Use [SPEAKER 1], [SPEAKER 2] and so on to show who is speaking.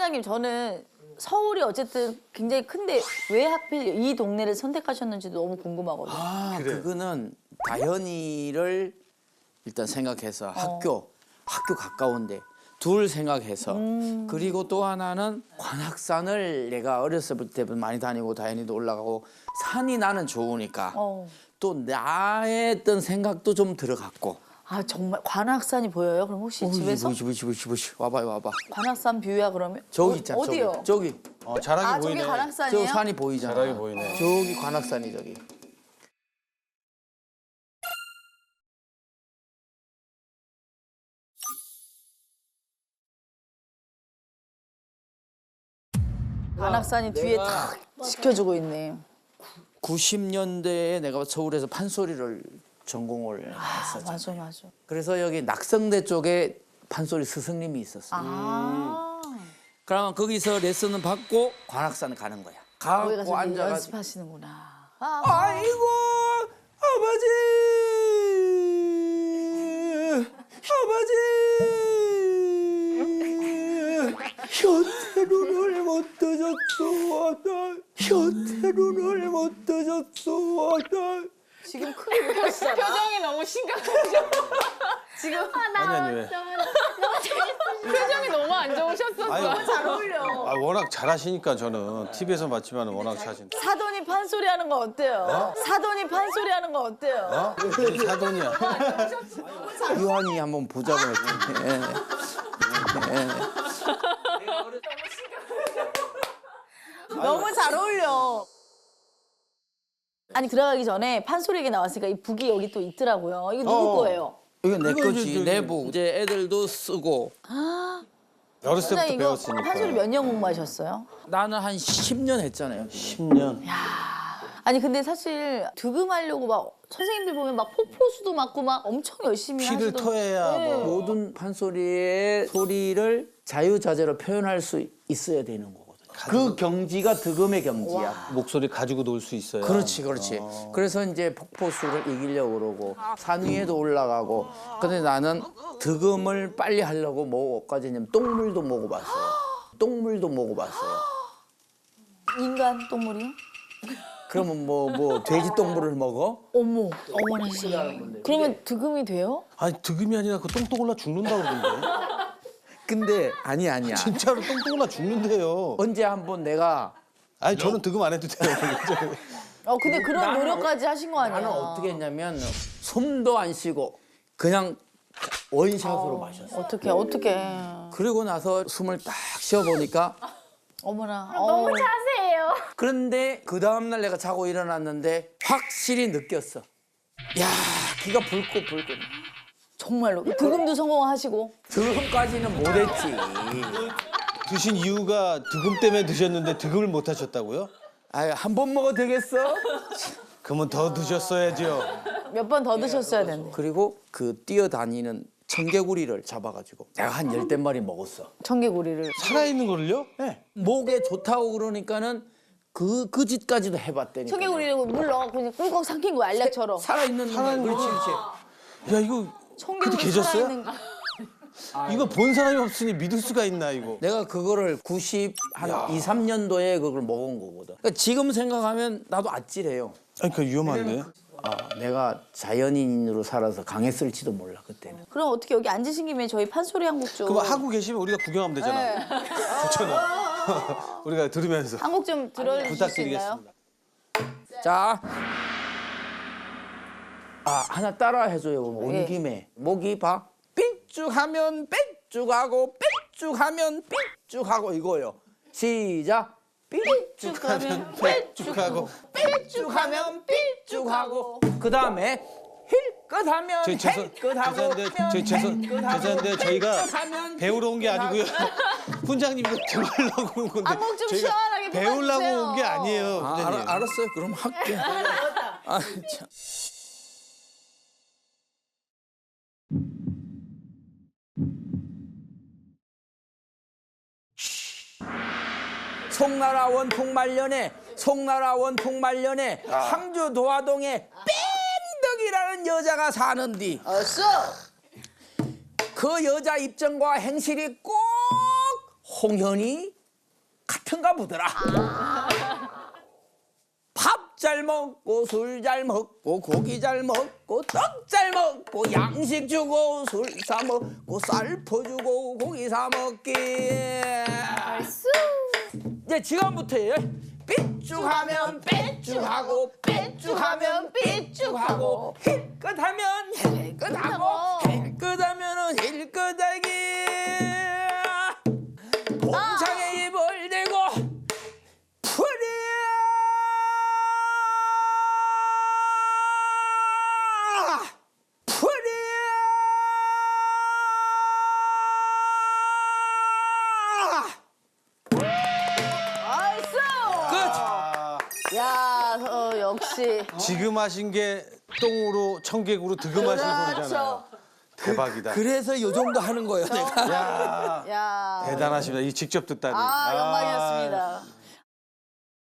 [SPEAKER 1] 판사님 저는 서울이 어쨌든 굉장히 큰데 왜 하필 이 동네를 선택하셨는지도 너무 궁금하거든요.
[SPEAKER 2] 아,
[SPEAKER 3] 그래.
[SPEAKER 2] 그거는 다현이를 일단 생각해서 학교 가까운데 둘 생각해서 그리고 또 하나는 관악산을 내가 어렸을 때부터 많이 다니고 다현이도 올라가고 산이 나는 좋으니까 또 나의 어떤 생각도 좀 들어갔고.
[SPEAKER 1] 아 정말 관악산이 보여요? 그럼 혹시 집에서?
[SPEAKER 2] 보시 와봐요.
[SPEAKER 1] 관악산 뷰야 그러면?
[SPEAKER 2] 저기 있잖아.
[SPEAKER 1] 어디요?
[SPEAKER 2] 저기.
[SPEAKER 3] 잘하게
[SPEAKER 1] 아
[SPEAKER 3] 보이네.
[SPEAKER 1] 저기 관악산이에요?
[SPEAKER 2] 저 산이 보이잖아.
[SPEAKER 3] 잘하게 보이네.
[SPEAKER 2] 저기 관악산이 저기.
[SPEAKER 1] 관악산이 뒤에 탁 지켜주고 있네.
[SPEAKER 2] 90년대에 내가 서울에서 판소리를 전공을 했었죠.
[SPEAKER 1] 맞아.
[SPEAKER 2] 그래서 여기 낙성대 쪽에 판소리 스승님이 있었어. 그러면 거기서 레슨을 받고 관악산 가는 거야.
[SPEAKER 1] 거기
[SPEAKER 2] 가고
[SPEAKER 1] 가서 이제
[SPEAKER 2] 앉아가지고
[SPEAKER 1] 연습하시는구나.
[SPEAKER 2] 아이고 아버지 현태눈을 못 떠졌어 현태눈을 못 떠졌어
[SPEAKER 1] 지금 크게 못 하시잖아.
[SPEAKER 4] 표정이 너무 심각하죠.
[SPEAKER 1] 지금
[SPEAKER 3] 아니 왜?
[SPEAKER 4] 표정이 너무 안 좋으셨었어.
[SPEAKER 3] 아유,
[SPEAKER 1] 잘 어울려.
[SPEAKER 3] 워낙 잘하시니까 저는 TV에서 봤지만 워낙 잘하신.
[SPEAKER 1] 사돈이 판소리 하는 거 어때요? 사돈이 판소리 하는 거 어때요?
[SPEAKER 3] 사돈이야.
[SPEAKER 2] 유한이 한번 보자고 했더니
[SPEAKER 1] 너무 잘 어울려. 아니 들어가기 전에 판소리 얘기 나왔으니까 이 북이 여기 또 있더라고요. 이거 누구 거예요?
[SPEAKER 2] 이건 내
[SPEAKER 3] 이거
[SPEAKER 2] 거지
[SPEAKER 3] 이제
[SPEAKER 2] 내복 이제 애들도 쓰고
[SPEAKER 3] 어렸을
[SPEAKER 1] 선생님
[SPEAKER 3] 때부터
[SPEAKER 1] 이거
[SPEAKER 3] 배웠으니까.
[SPEAKER 1] 판소리 몇 년 공부하셨어요?
[SPEAKER 2] 나는 한 10년 했잖아요.
[SPEAKER 3] 10년.
[SPEAKER 1] 아니 근데 사실 득음하려고 막 선생님들 보면 막 폭포수도 맞고 막 엄청 열심히
[SPEAKER 3] 피를
[SPEAKER 1] 하시던.
[SPEAKER 3] 토해야
[SPEAKER 1] 네.
[SPEAKER 3] 뭐.
[SPEAKER 2] 모든 판소리의 소리를 자유자재로 표현할 수 있어야 되는 거거든. 그 경지가 득음의 경지야.
[SPEAKER 3] 목소리 가지고 놀 수 있어요.
[SPEAKER 2] 그렇지. 그래서 이제 폭포수를 이기려고 그러고 산 위에도 올라가고. 근데 나는 득음을 빨리 하려고 뭐까지 했냐면 똥물도 먹어봤어요.
[SPEAKER 1] 인간 똥물이요?
[SPEAKER 2] 그러면 뭐 돼지 똥물을 먹어?
[SPEAKER 1] 어머나 씨. 그러면 득음이 돼요?
[SPEAKER 3] 아니 득음이 아니라 그 똥똥 올라 죽는다고 그러는데.
[SPEAKER 2] 근데 아니야.
[SPEAKER 3] 진짜로 똥똥 올라 죽는데요.
[SPEAKER 2] 언제 한번 내가
[SPEAKER 3] 아니 저는 득음 안 해도 돼요.
[SPEAKER 1] 근데 그런 노력까지 하신 거 아니야?
[SPEAKER 2] 나는 어떻게 했냐면 숨도 안 쉬고 그냥 원샷으로 마셨어.
[SPEAKER 1] 어떻게?
[SPEAKER 2] 그리고 나서 숨을 딱 쉬어보니까
[SPEAKER 1] 어머나.
[SPEAKER 4] 너무 자세해요.
[SPEAKER 2] 그런데 그 다음날 내가 자고 일어났는데 확실히 느꼈어. 야 기가 불고
[SPEAKER 1] 정말로 득음도 성공하시고.
[SPEAKER 2] 득음까지는 못했지.
[SPEAKER 3] 드신 이유가 득음 때문에 드셨는데 득음을 못 하셨다고요?
[SPEAKER 2] 아유 한 번 먹어도 되겠어?
[SPEAKER 3] 그러면 더 드셨어야죠.
[SPEAKER 1] 몇 번 더 드셨어야 되는데.
[SPEAKER 2] 그리고 그 뛰어다니는 청개구리를 잡아가지고 내가 한 10댓마리 먹었어.
[SPEAKER 1] 청개구리를.
[SPEAKER 3] 살아있는 거를요?
[SPEAKER 2] 네. 목에 좋다고 그러니까는 그 짓까지도 해봤다니까.
[SPEAKER 1] 청개구리를 물 넣어 그냥 꿀꺽 삼킨 거야 알약처럼.
[SPEAKER 2] 살아있는 그렇지.
[SPEAKER 3] 야 이거
[SPEAKER 1] 청개구리
[SPEAKER 3] 그때 계셨어요?
[SPEAKER 1] 살아있는 거.
[SPEAKER 3] 이거 본 사람이 없으니 믿을 수가 있나 이거.
[SPEAKER 2] 내가 그거를 2, 3년도에 그걸 먹은 거거든. 그러니까 지금 생각하면 나도 아찔해요.
[SPEAKER 3] 아니 그 위험한데.
[SPEAKER 2] 내가 자연인으로 살아서 강했을지도 몰라 그때는.
[SPEAKER 1] 그럼 어떻게 여기 앉으신 김에 저희 판소리 한 곡 좀.
[SPEAKER 3] 그럼 하고 계시면 우리가 구경하면 되잖아. 좋잖아. 우리가 들으면서
[SPEAKER 1] 한 곡 좀 들어주실 수 있나요?
[SPEAKER 3] 부탁드리겠습니다.
[SPEAKER 2] 자, 하나 따라 해줘요. 온
[SPEAKER 1] 예.
[SPEAKER 2] 김에 목이 봐. 삐쭉하면 삐쭉하고 삐쭉하면 삐쭉하고 이거요. 시작.
[SPEAKER 1] 삐쭉하면
[SPEAKER 3] 쭉
[SPEAKER 2] 삐쭉하면 삐쭉하고 그 다음에 힐끗하면 힐끗하고
[SPEAKER 3] 죄송한데 저희가
[SPEAKER 2] 힐끗하면
[SPEAKER 3] 배우러 온 게 아니고요. 훈장님 이거 들으려고 온 건데
[SPEAKER 1] 한곡 좀
[SPEAKER 3] 저희가
[SPEAKER 1] 시원하게
[SPEAKER 3] 배우려고
[SPEAKER 1] 불러주세요.
[SPEAKER 3] 온 게 아니에요. 훈장님.
[SPEAKER 2] 알았어요. 그럼 할게. 참. 송나라 원통말년에 항주 도화동에 뺑덕이라는 여자가 사는디 그 여자 입장과 행실이 꼭 홍현이 잡힌가 보더라. 밥 잘 먹고 술 잘 먹고 고기 잘 먹고 떡 잘 먹고 양식 주고 술 사 먹고 쌀 퍼주고 고기 사 먹기. 이제 지금부터요. 삐쭉하면 삐쭉하고 삐쭉하면 삐쭉하고 힐끗하면 힐끗하고 힐끗하면은 힐끗하기. 봉창에 입을 대고
[SPEAKER 1] 야, 역시.
[SPEAKER 3] 지금 하신 게 똥으로 청개구로 득음하신 소리잖아요.
[SPEAKER 1] 그렇죠.
[SPEAKER 3] 대박이다.
[SPEAKER 2] 그래서 요 정도 하는 거예요, 내가.
[SPEAKER 3] 야,
[SPEAKER 1] 야.
[SPEAKER 3] 대단하십니다. 이 직접 듣다니.
[SPEAKER 1] 아, 영광이었습니다.